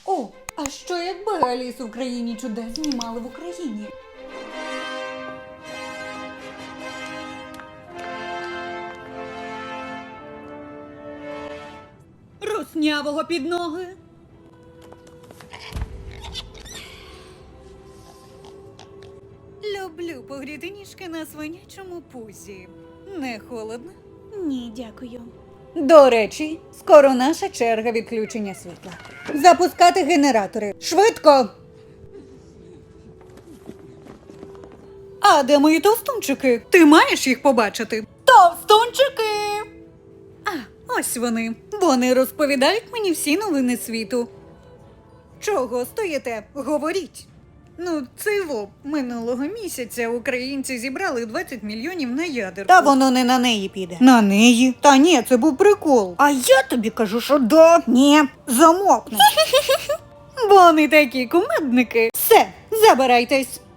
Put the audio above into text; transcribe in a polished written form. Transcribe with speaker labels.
Speaker 1: О, а що якби Алісу в країні чудес знімали в Україні? Руснявого під ноги. Люблю погріти ніжки на свинячому пузі. Не холодно?
Speaker 2: Ні, дякую.
Speaker 1: До речі, скоро наша черга відключення світла. Запускати генератори. Швидко! А де мої товстунчики? Ти маєш їх побачити? Товстунчики! А, ось вони. Вони розповідають мені всі новини світу. Чого стоїте? Говоріть. Ну, минулого місяця українці зібрали 20 мільйонів на ядерку.
Speaker 2: Та воно не на неї піде.
Speaker 1: На неї? Та ні, це був прикол.
Speaker 2: А я тобі кажу, що да. Ні, замовкни.
Speaker 1: Вони такі кумедники. Все, забирайтесь.